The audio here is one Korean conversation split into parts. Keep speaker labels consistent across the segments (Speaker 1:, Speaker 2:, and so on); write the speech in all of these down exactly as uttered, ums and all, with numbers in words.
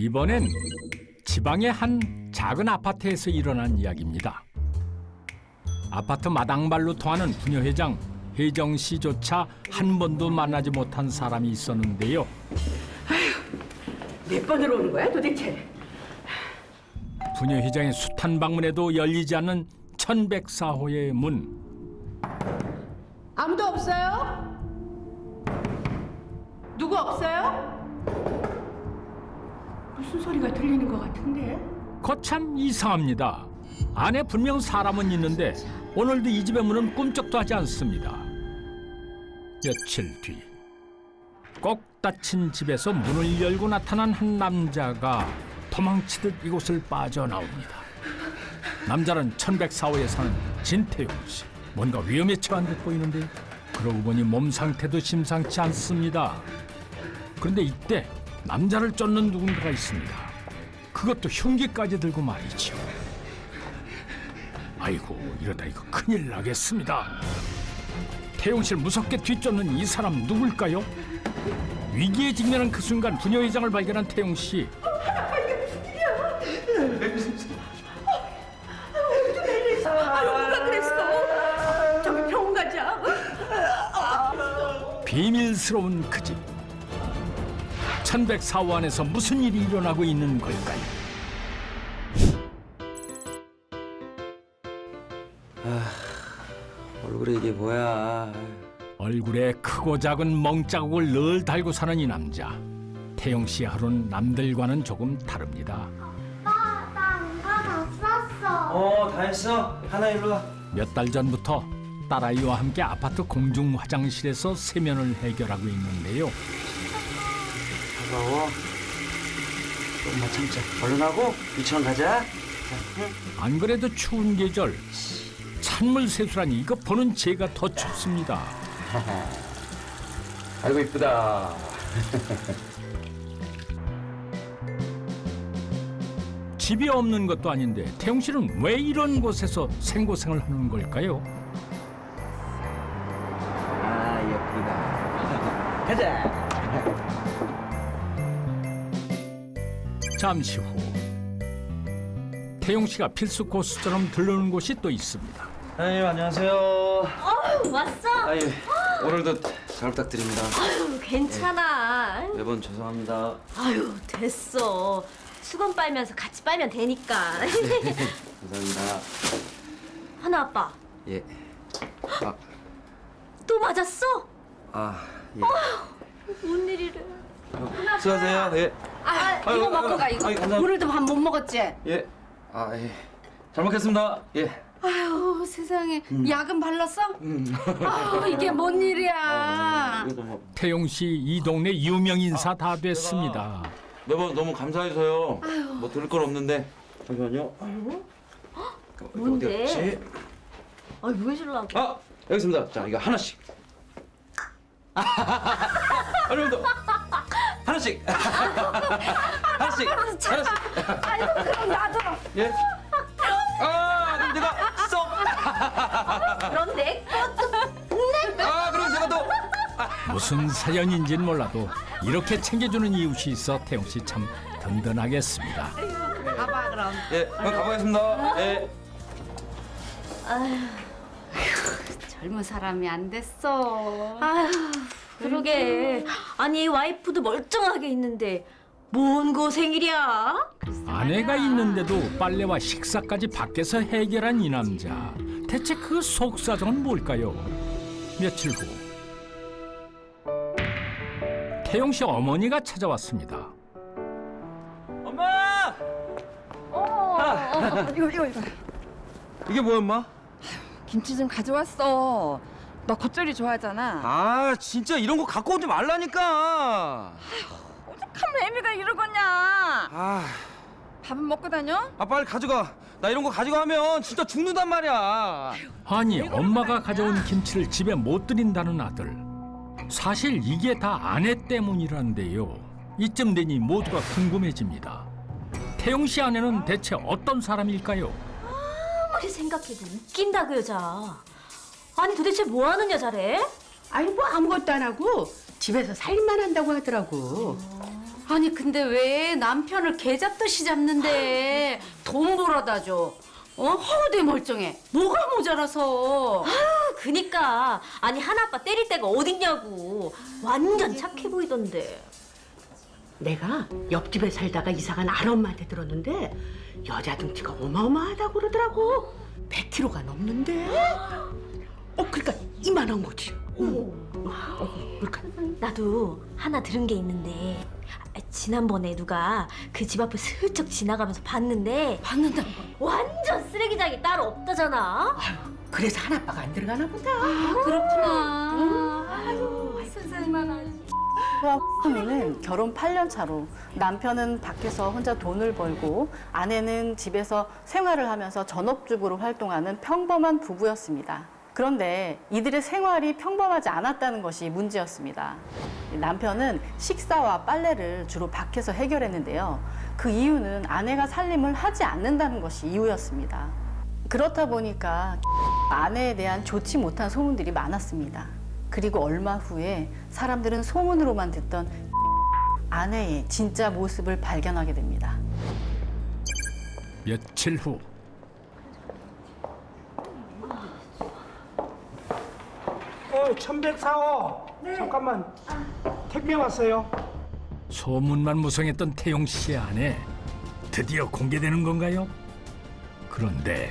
Speaker 1: 이번엔 지방의 한 작은 아파트에서 일어난 이야기입니다. 아파트 마당발로 통하는 부녀회장 혜정 씨조차 한 번도 만나지 못한 사람이 있었는데요.
Speaker 2: 몇 번으로 오는 거야 도대체?
Speaker 1: 부녀회장의 숱한 방문에도 열리지 않는 천백사 호의 문.
Speaker 2: 아무도 없어요? 누구 없어요? 무슨 소리가 들리는 것 같은데?
Speaker 1: 거참 이상합니다. 안에 분명 사람은 있는데 오늘도 이 집의 문은 꿈쩍도 하지 않습니다. 며칠 뒤 꼭 닫힌 집에서 문을 열고 나타난 한 남자가 도망치듯 이곳을 빠져나옵니다. 남자는 천백사 호에 사는 진태용 씨. 뭔가 위험에 처한 듯 보이는데 그러고 보니 몸 상태도 심상치 않습니다. 그런데 이때 남자를 쫓는 누군가가 있습니다. 그것도 흉기까지 들고 말이죠. 아이고, 이러다 이거 큰일 나겠습니다. 태용 씨를 무섭게 뒤쫓는 이 사람 누굴까요? 위기에 직면한 그 순간 부녀회장을 발견한 태용 씨.
Speaker 2: 누가 그랬어? 저기 병원 가자.
Speaker 1: 비밀스러운 그 집. 천백사 호 안에서 무슨 일이 일어나고 있는 걸까요?
Speaker 3: 얼굴에 이게 뭐야?
Speaker 1: 얼굴에 크고 작은 멍자국을 늘 달고 사는 이 남자. 태용 씨의 하루는 남들과는 조금 다릅니다.
Speaker 4: 아빠, 나 응가 다 썼어.
Speaker 3: 어, 다 했어. 하나 일로 와.
Speaker 1: 몇 달 전부터 딸아이와 함께 아파트 공중 화장실에서 세면을 해결하고 있는데요.
Speaker 3: 차가워. 조금만 참자. 얼른 하고 유치원 가자.
Speaker 1: 안 그래도 추운 계절 찬물 세수라니 이거 보는 제가 더 춥습니다.
Speaker 3: 아이고 이쁘다.
Speaker 1: 집이 없는 것도 아닌데 태용 씨는 왜 이런 곳에서 생고생을 하는 걸까요?
Speaker 3: 아 예쁘다. 가자.
Speaker 1: 잠시 후 태용 씨가 필수 코스처럼 들르는 곳이 또 있습니다.
Speaker 3: 아유 안녕하세요.
Speaker 5: 어, 왔어?
Speaker 3: 아유 오늘도 잘 부탁드립니다.
Speaker 5: 아유, 괜찮아.
Speaker 3: 매번 죄송합니다.
Speaker 5: 아유, 됐어. 수건 빨면서 같이 빨면 되니까.
Speaker 3: 감사합니다.
Speaker 5: 하나 아빠,
Speaker 3: 예. 아,
Speaker 5: 또 맞았어?
Speaker 3: 아 예.
Speaker 5: 뭔 일이래?
Speaker 3: 수고하세요. 예.
Speaker 2: 아,
Speaker 3: 아유,
Speaker 2: 이거 먹고
Speaker 3: 아유,
Speaker 2: 가. 이거
Speaker 3: 아유, 감사합니다.
Speaker 2: 오늘도 밥 못 먹었지?
Speaker 3: 예. 아 예. 잘 먹겠습니다. 예.
Speaker 2: 아유 세상에
Speaker 3: 음.
Speaker 2: 약은 발랐어? 아 이게 뭔 일이야?
Speaker 3: 이것도 뭐
Speaker 1: 태용 씨 이 동네 유명 인사 다 됐습니다.
Speaker 3: 매번 너무 감사해서요. 뭐 들을 건 없는데. 잠시만요.
Speaker 5: 뭔데?
Speaker 3: 어디 갔지?
Speaker 5: 아유, 왜 주려고?
Speaker 3: 아 여기 있습니다. 자 이거 하나씩. 아니 더 하나씩. 하나씩. 하나씩.
Speaker 2: 아유 그럼 나도.
Speaker 3: 예. 아 그럼 내가 쏙.
Speaker 5: 그럼 내 것도.
Speaker 3: 아 그럼 제가 또.
Speaker 1: 무슨 사연인지는 몰라도 이렇게 챙겨주는 이웃이 있어 태용 씨 참 든든하겠습니다.
Speaker 2: 가봐 그럼.
Speaker 3: 예. 그럼 가보겠습니다. 예.
Speaker 2: 젊은 사람이 안 됐어.
Speaker 5: 아유, 그러게. 아니, 와이프도 멀쩡하게 있는데 뭔 고생이랴?
Speaker 1: 아내가 있는데도 빨래와 식사까지 밖에서 해결한 이 남자. 대체 그 속사정은 뭘까요? 며칠 후 태용 씨 어머니가 찾아왔습니다.
Speaker 3: 엄마.
Speaker 6: 어, 이거 이거 이거
Speaker 3: 이게 뭐야 엄마?
Speaker 6: 김치 좀 가져왔어. 너 겉절이 좋아하잖아.
Speaker 3: 아 진짜 이런 거 갖고 오지 말라니까.
Speaker 6: 오죽하면 애미가 이러겠냐.
Speaker 3: 아,
Speaker 6: 밥은 먹고 다녀?
Speaker 3: 아 빨리 가져가. 나 이런 거 가져가면 진짜 죽는단 말이야.
Speaker 1: 아니 엄마가 가져온 김치를 집에 못 들인다는 아들. 사실 이게 다 아내 때문이란데요. 이쯤 되니 모두가 궁금해집니다. 태용 씨 아내는 대체 어떤 사람일까요?
Speaker 5: 아무리 생각해도 웃긴다 그 여자. 아니 도대체 뭐 하는 여자래?
Speaker 2: 아니 뭐 아무것도 안 하고 집에서 살림만 한다고 하더라고. 아니 근데 왜 남편을 개 잡듯이 잡는데 돈 벌어다 줘? 어? 허우대 멀쩡해. 뭐가 모자라서.
Speaker 5: 아, 그니까 아니 하나아빠 때릴 데가 어딨냐고. 완전 착해 보이던데.
Speaker 7: 내가 옆집에 살다가 이사간 알엄마한테 들었는데 여자 등치가 어마어마하다고 그러더라고. 백 킬로그램가 넘는데. 어, 그러니까 이만한 거지. 어, 그러니까
Speaker 5: 나도 하나 들은 게 있는데 아, 지난번에 누가 그 집 앞을 슬쩍 지나가면서 봤는데
Speaker 2: 받는다.
Speaker 5: 완전 쓰레기장이 따로 없다잖아.
Speaker 7: 그래서 하나빠가 안 들어가나 보다.
Speaker 2: 그렇구나.
Speaker 5: 아유 세상만하지.
Speaker 8: 후는 결혼 팔 년 차로 남편은 밖에서 혼자 돈을 벌고 아내는 집에서 생활을 하면서 전업주부로 활동하는 평범한 부부였습니다. 그런데 이들의 생활이 평범하지 않았다는 것이 문제였습니다. 남편은 식사와 빨래를 주로 밖에서 해결했는데요. 그 이유는 아내가 살림을 하지 않는다는 것이 이유였습니다. 그렇다 보니까 아내에 대한 좋지 못한 소문들이 많았습니다. 그리고 얼마 후에 사람들은 소문으로만 듣던 아내의 진짜 모습을 발견하게 됩니다.
Speaker 1: 며칠 후
Speaker 9: 어, 천백사 호. 잠깐만. 택배 왔어요.
Speaker 1: 소문만 무성했던 태용 씨의 아내 드디어 공개되는 건가요? 그런데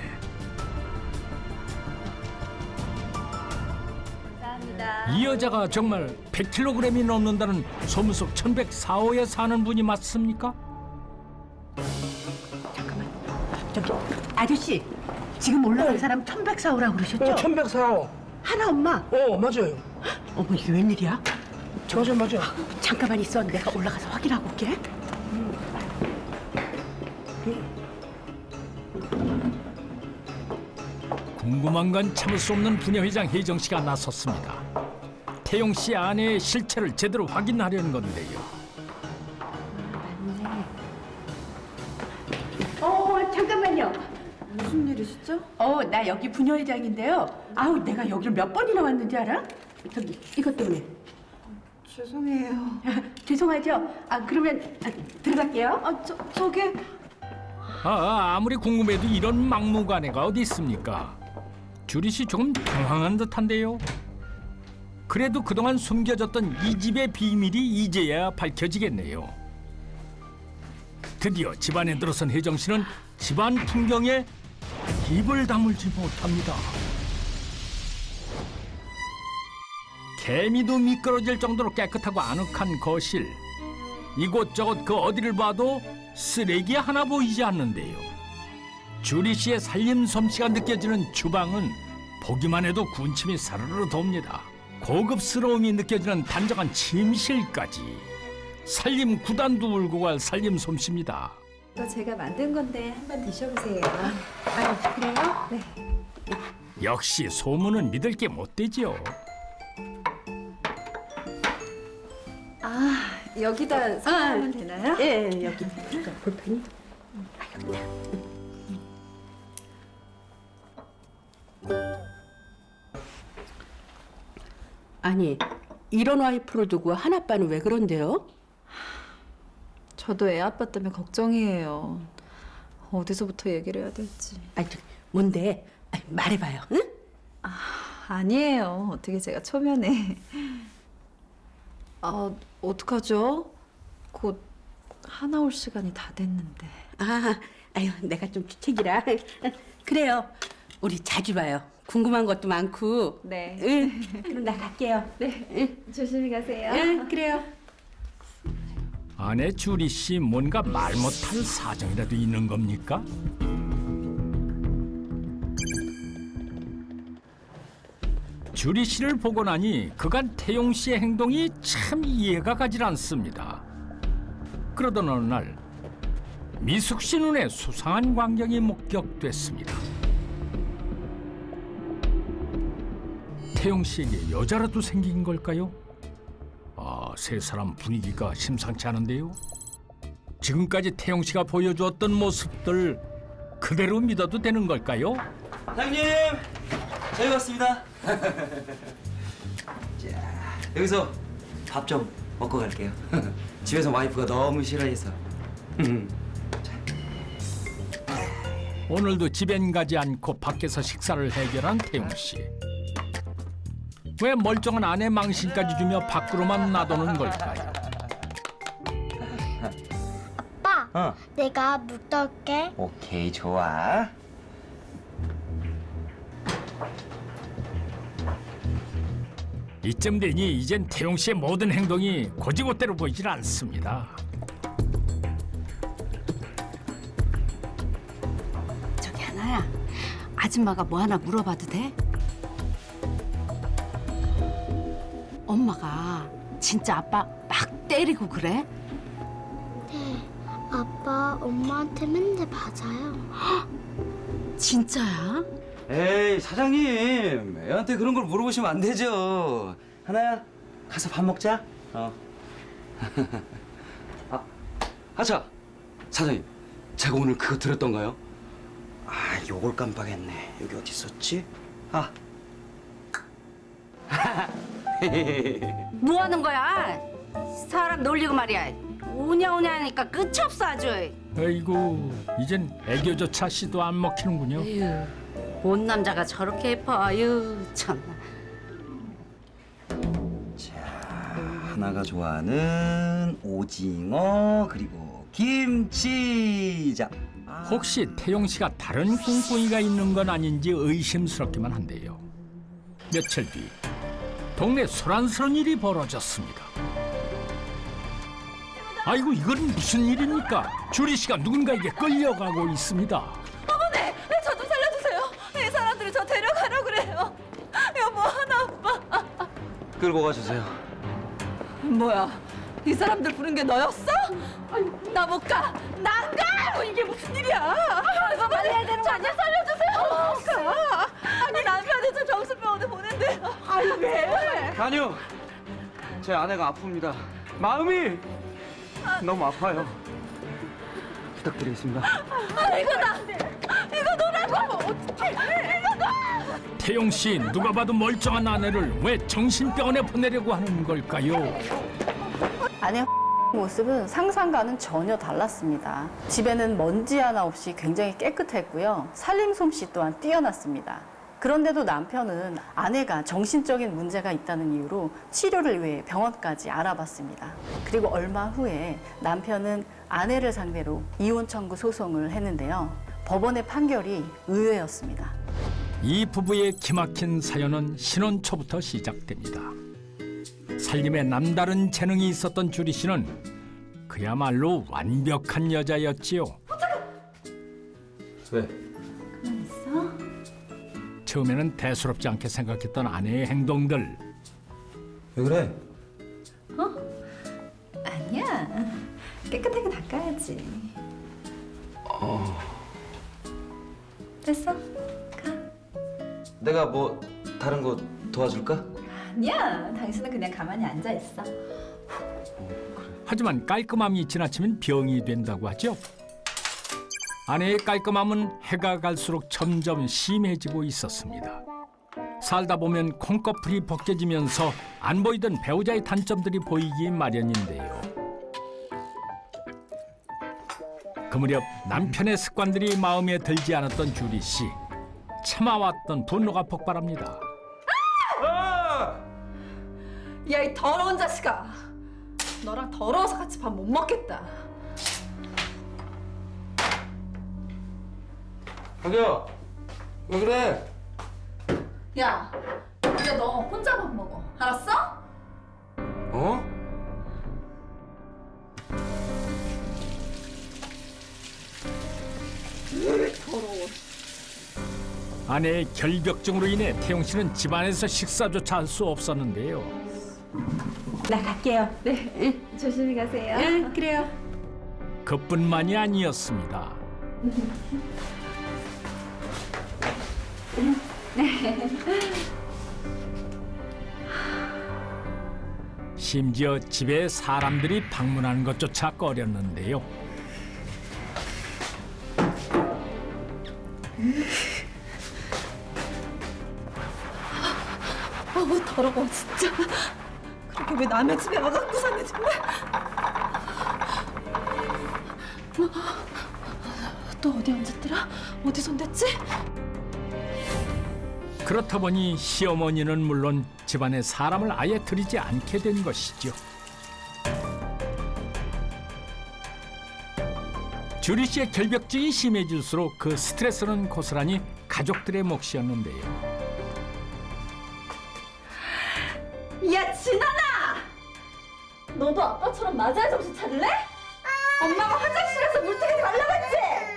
Speaker 1: 이 여자가 정말 백 킬로그램이 넘는다는 소문 속 천백사 호에 사는 분이 맞습니까?
Speaker 7: 저기 아저씨, 지금 올라간 사람 천백사 호라고 그러셨죠?
Speaker 9: 어, 천백사 호.
Speaker 7: 하나 엄마.
Speaker 9: 어, 맞아요.
Speaker 7: 어머, 이게 웬일이야?
Speaker 9: 맞아요, 맞아요.
Speaker 7: 잠깐만 있어. 내가 올라가서 확인하고 올게.
Speaker 1: 궁금한 건 참을 수 없는 부녀회장 혜정 씨가 나섰습니다. 태용 씨 아내의 실체를 제대로 확인하려는 건데요.
Speaker 7: 어, 잠깐만요. 무슨 일이시죠? 어, 나 여기 부녀회장인데요. 아우, 내가 여기를 몇 번이나 왔는지 알아? 저기, 이것 때문에.
Speaker 6: 죄송해요.
Speaker 7: 죄송하죠? 아, 그러면 아, 들어갈게요.
Speaker 6: 아, 저, 저기
Speaker 1: 아, 아무리 궁금해도 이런 막무가내가 어디 있습니까? 주리 씨 조금 당황한 듯한데요. 그래도 그동안 숨겨졌던 이 집의 비밀이 이제야 밝혀지겠네요. 드디어 집안에 들어선 혜정 씨는 집안 풍경에 입을 다물지 못합니다. 개미도 미끄러질 정도로 깨끗하고 아늑한 거실. 이곳저곳 그 어디를 봐도 쓰레기 하나 보이지 않는데요. 주리 씨의 살림 솜씨가 느껴지는 주방은 보기만 해도 군침이 사르르 돕니다. 고급스러움이 느껴지는 단정한 침실까지. 살림 구단도 울고 갈 살림 솜씨입니다.
Speaker 6: 또 제가 만든 건데 한번 드셔보세요.
Speaker 7: 아, 그래요?
Speaker 6: 네.
Speaker 1: 역시 소문은 믿을 게 못 되죠.
Speaker 6: 아, 여기다 사면 되나요?
Speaker 7: 예, 여기 볼펜이. 아니, 이런 와이프를 두고 하나빠는 왜 그런데요?
Speaker 6: 저도 애 아빠 때문에 걱정이에요. 어디서부터 얘기를 해야 될지.
Speaker 7: 아니, 저, 뭔데? 아니, 말해봐요, 응?
Speaker 6: 아니에요. 어떻게 제가 초면에. 아, 어떡하죠? 곧 하나 올 시간이 다 됐는데.
Speaker 7: 아, 아유, 내가 좀 주책이라. 그래요. 우리 자주 봐요. 궁금한 것도 많고.
Speaker 6: 네.
Speaker 7: 응, 그럼 나 갈게요.
Speaker 6: 네.
Speaker 7: 응,
Speaker 6: 조심히 가세요.
Speaker 7: 응, 그래요.
Speaker 1: 아내 주리 씨 뭔가 말 못할 사정이라도 있는 겁니까? 주리 씨를 보고 나니 그간 태용 씨의 행동이 참 이해가 가질 않습니다. 그러던 어느 날 미숙 씨 눈에 수상한 광경이 목격됐습니다. 태용 씨에게 여자라도 생긴 걸까요? 아, 세 사람 분위기가 심상치 않은데요. 지금까지 태용 씨가 보여주었던 모습들 그대로 믿어도 되는 걸까요?
Speaker 3: 사장님, 저희 왔습니다. 자, 여기서 밥 좀
Speaker 10: 먹고 갈게요. 집에서 와이프가 너무 싫어해서.
Speaker 1: 오늘도 집엔 가지 않고 밖에서 식사를 해결한 태용 씨. 왜 멀쩡한 아내 망신까지 주며 밖으로만 놔두는 걸까요?
Speaker 4: 아빠,
Speaker 10: 어.
Speaker 4: 내가 물 떠올게.
Speaker 10: 오케이, 좋아.
Speaker 1: 이쯤 되니 이젠 태용 씨의 모든 행동이 고지고대로 보이질 않습니다.
Speaker 2: 저기 하나야, 아줌마가 뭐 하나 물어봐도 돼? 엄마가 진짜 아빠 막 때리고 그래?
Speaker 4: 네, 아빠 엄마한테 맨날 맞아요.
Speaker 2: 진짜야?
Speaker 10: 에이, 사장님. 애한테 그런 걸 물어보시면 안 되죠. 하나야, 가서 밥 먹자. 어. 아, 아차. 사장님, 제가 오늘 그거 들었던가요? 아, 요걸 깜빡했네. 여기 어디 있었지? 아.
Speaker 2: 뭐 하는 거야? 사람 놀리고 말이야. 오냐 오냐 하니까 끝이 없어 아주.
Speaker 1: 아이고, 이젠 애교조차 시도 안 먹히는군요.
Speaker 2: 에휴, 온 남자가 저렇게 예뻐. 아유 참나.
Speaker 10: 자, 하나가 좋아하는 오징어 그리고 김치장. 아.
Speaker 1: 혹시 태용 씨가 다른 꿍꿍이가 있는 건 아닌지 의심스럽기만 한데요. 며칠 뒤 동네 소란스러운 일이 벌어졌습니다. 아이고, 이건 무슨 일입니까? 주리 씨가 누군가에게 끌려가고 있습니다.
Speaker 6: 어머니, 저 좀 살려주세요. 이 사람들이 저 데려가려고 그래요. 여보, 하나 아빠.
Speaker 10: 끌고 가주세요.
Speaker 6: 뭐야? 이 사람들 부른 게 너였어? 나 못 가. 나 안 가. 이게 무슨 일이야? 이거 빨리 해야 되는 거 아니야? 살려주세요. 가. 아니 남편이 저 정신병원에 보낸대요. 아니 왜?
Speaker 10: 아니요. 제 아내가 아픕니다. 마음이 너무 아파요. 부탁드리겠습니다.
Speaker 6: 아 이거 나. 이거 너라고. 어떻게? 이거 너.
Speaker 1: 태용 씨, 누가 봐도 멀쩡한 아내를 왜 정신병원에 보내려고 하는 걸까요?
Speaker 8: 아내 모습은 상상과는 전혀 달랐습니다. 집에는 먼지 하나 없이 굉장히 깨끗했고요. 살림 솜씨 또한 뛰어났습니다. 그런데도 남편은 아내가 정신적인 문제가 있다는 이유로 치료를 위해 병원까지 알아봤습니다. 그리고 얼마 후에 남편은 아내를 상대로 이혼 청구 소송을 했는데요. 법원의 판결이 의외였습니다.
Speaker 1: 이 부부의 기막힌 사연은 신혼 초부터 시작됩니다. 살림에 남다른 재능이 있었던 주리 씨는 그야말로 완벽한 여자였지요.
Speaker 10: 왜?
Speaker 1: 처음에는 대수롭지 않게 생각했던 아내의 행동들.
Speaker 10: 왜 그래?
Speaker 6: 아니야. 깨끗하게 닦아야지.
Speaker 10: 어.
Speaker 6: 됐어?
Speaker 10: 내가 뭐 다른 거 도와줄까?
Speaker 6: 아니야. 당신은 그냥 가만히 앉아 있어.
Speaker 1: 하지만 깔끔함이 지나치면 병이 된다고 하죠. 아내의 깔끔함은 해가 갈수록 점점 심해지고 있었습니다. 살다 보면 콩꺼풀이 벗겨지면서 안 보이던 배우자의 단점들이 보이기 마련인데요. 그 무렵 남편의 습관들이 마음에 들지 않았던 주리 씨. 참아왔던 분노가 폭발합니다.
Speaker 6: 야, 이 더러운 자식아. 너랑 더러워서 같이 밥 못 먹겠다.
Speaker 10: 자기야, 왜 그래?
Speaker 6: 야, 이제 너 혼자 밥 먹어. 알았어?
Speaker 10: 어?
Speaker 1: 아내의 결벽증으로 인해 태용 씨는 집안에서 식사조차 할 수 없었는데요.
Speaker 6: 나 갈게요. 네, 조심히 가세요.
Speaker 2: 응, 그래요.
Speaker 1: 그뿐만이 아니었습니다. 심지어 집에 사람들이 방문하는 것조차 꺼렸는데요.
Speaker 6: 어우, 더러워, 진짜. 이게 왜 남의 집에 와갖고 사네 정말. 어? 또 어디 앉았더라? 어디 손댔지?
Speaker 1: 그렇다 보니 시어머니는 물론 집안에 사람을 아예 들이지 않게 된 것이죠. 주리 씨의 결벽증이 심해질수록 그 스트레스는 고스란히 가족들의 몫이었는데요.
Speaker 5: 야 진아나! 너도 아빠처럼 맞아야 정신 차릴래? 엄마가 화장실에서 물통에 달라고 했지?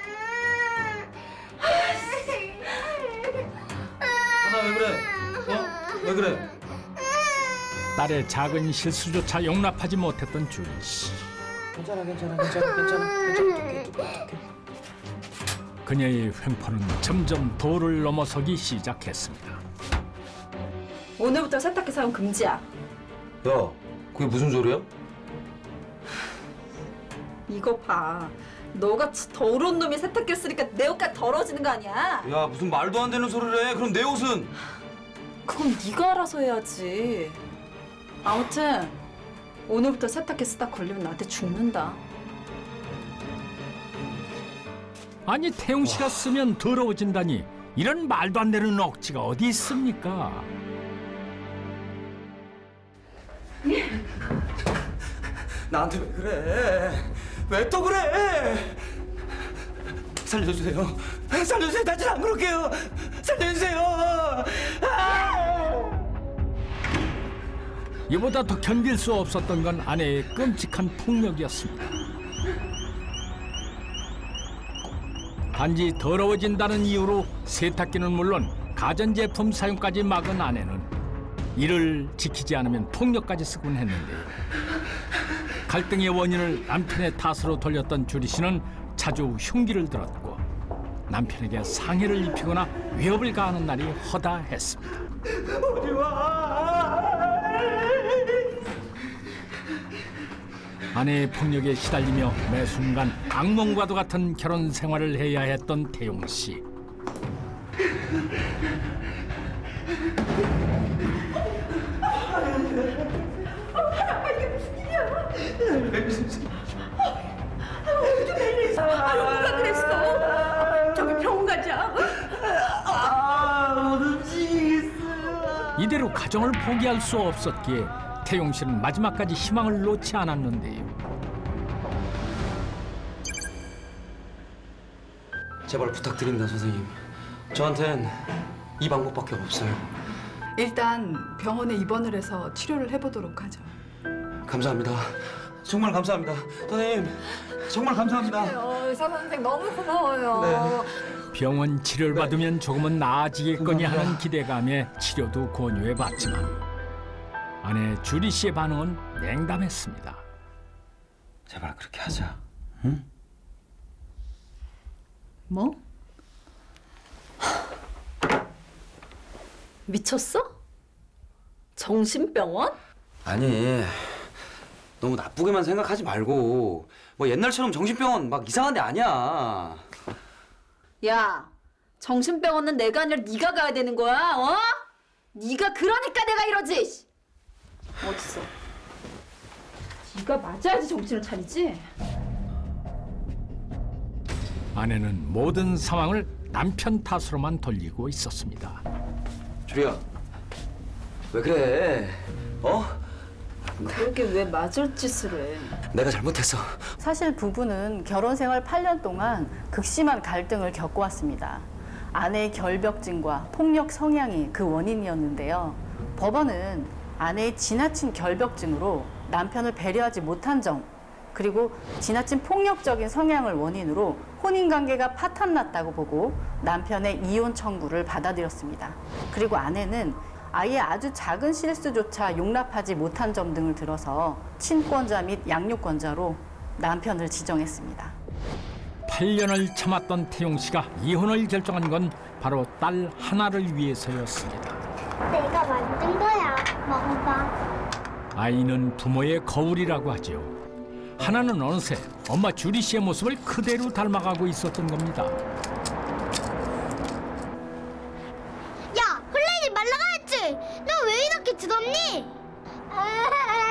Speaker 3: 하나 왜 그래? 어? 왜 그래?
Speaker 1: 딸의 작은 실수조차 용납하지 못했던 주리 씨.
Speaker 10: 괜찮아, 괜찮아, 괜찮아, 괜찮아, 괜찮아.
Speaker 1: 그녀의 횡포는 점점 도를 넘어서기 시작했습니다.
Speaker 5: 오늘부터 세탁기 사용 금지야.
Speaker 10: 야, 그게 무슨 소리야?
Speaker 5: 이거 봐. 너같이 더러운 놈이 세탁기를 쓰니까 내 옷까지 더러워지는 거 아니야?
Speaker 10: 야, 무슨 말도 안 되는 소리를 해. 그럼 내 옷은?
Speaker 5: 그건 네가 알아서 해야지.
Speaker 6: 아무튼 오늘부터 세탁기 쓰다 걸리면 나한테 죽는다.
Speaker 1: 아니 태용 씨가 쓰면 더러워진다니 이런 말도 안 되는 억지가 어디 있습니까?
Speaker 10: 나한테 왜 그래? 왜 또 그래? 살려주세요. 살려주세요. 다시 안 그럴게요. 살려주세요. 아!
Speaker 1: 이보다 더 견딜 수 없었던 건 아내의 끔찍한 폭력이었습니다. 단지 더러워진다는 이유로 세탁기는 물론 가전제품 사용까지 막은 아내는 이를 지키지 않으면 폭력까지 쓰곤 했는데요. 갈등의 원인을 남편의 탓으로 돌렸던 주리 씨는 자주 흉기를 들었고 남편에게 상해를 입히거나 위협을 가하는 날이 허다했습니다.
Speaker 10: 어디 와?
Speaker 1: 아내의 폭력에 시달리며 매 순간 악몽과도 같은 결혼 생활을 해야 했던 태용 씨.
Speaker 6: 누가 그랬어? 저기 병원 가자.
Speaker 1: 이대로 가정을 포기할 수 없었기에 태용 씨는 마지막까지 희망을 놓지 않았는데요.
Speaker 10: 제발 부탁드립니다, 선생님. 저한텐 이 방법밖에 없어요.
Speaker 6: 일단 병원에 입원을 해서 치료를 해보도록 하죠.
Speaker 10: 감사합니다. 정말 감사합니다. 선생님, 정말 감사합니다.
Speaker 6: 어, 의사 선생 너무 고마워요.
Speaker 1: 병원 치료를 받으면 조금은 나아지겠거니 하는 기대감에 치료도 권유해봤지만 아내 주리 씨의 반응은 냉담했습니다.
Speaker 10: 제발 그렇게 하자. 응?
Speaker 6: 뭐?
Speaker 5: 미쳤어? 정신병원?
Speaker 10: 아니, 너무 나쁘게만 생각하지 말고 뭐 옛날처럼 정신병원 막 이상한 데 아니야.
Speaker 5: 야, 정신병원은 내가 아니라 네가 가야 되는 거야, 어? 네가 그러니까 내가 이러지. 어딨어? 네가 맞아야지 정신을 차리지.
Speaker 1: 아내는 모든 상황을 남편 탓으로만 돌리고 있었습니다.
Speaker 10: 주리야, 왜 그래? 어?
Speaker 5: 그러게 왜 맞을 짓을 해?
Speaker 10: 내가 잘못했어.
Speaker 8: 사실 부부는 결혼 생활 팔 년 동안 극심한 갈등을 겪어왔습니다. 아내의 결벽증과 폭력 성향이 그 원인이었는데요. 법원은 아내의 지나친 결벽증으로 남편을 배려하지 못한 점, 그리고 지나친 폭력적인 성향을 원인으로 혼인관계가 파탄났다고 보고 남편의 이혼 청구를 받아들였습니다. 그리고 아내는 아이의 아주 작은 실수조차 용납하지 못한 점 등을 들어서 친권자 및 양육권자로 남편을 지정했습니다.
Speaker 1: 팔 년을 참았던 태용 씨가 이혼을 결정한 건 바로 딸 하나를 위해서였습니다.
Speaker 4: 내가 만든 거야. 먹어봐.
Speaker 1: 아이는 부모의 거울이라고 하죠. 하나는 어느새 엄마 주리 씨의 모습을 그대로 닮아가고 있었던 겁니다.
Speaker 4: 야, 흘리지 말라고 했지. 너 왜 이렇게 더럽니?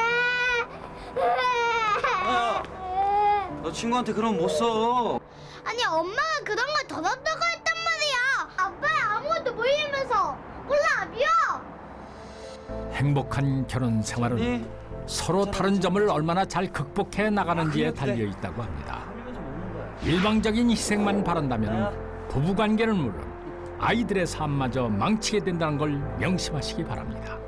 Speaker 10: 친구한테 그럼 못 써.
Speaker 4: 아니 엄마가 그런 걸 더럽다고 했단 말이야. 아빠야 아무것도 모이면서 몰라 미워.
Speaker 1: 행복한 결혼 생활은
Speaker 10: 네.
Speaker 1: 서로 다른 점을 얼마나 잘 극복해 나가는지에 달려 있다고 합니다. 일방적인 희생만 바란다면 부부관계는 물론 아이들의 삶마저 망치게 된다는 걸 명심하시기 바랍니다.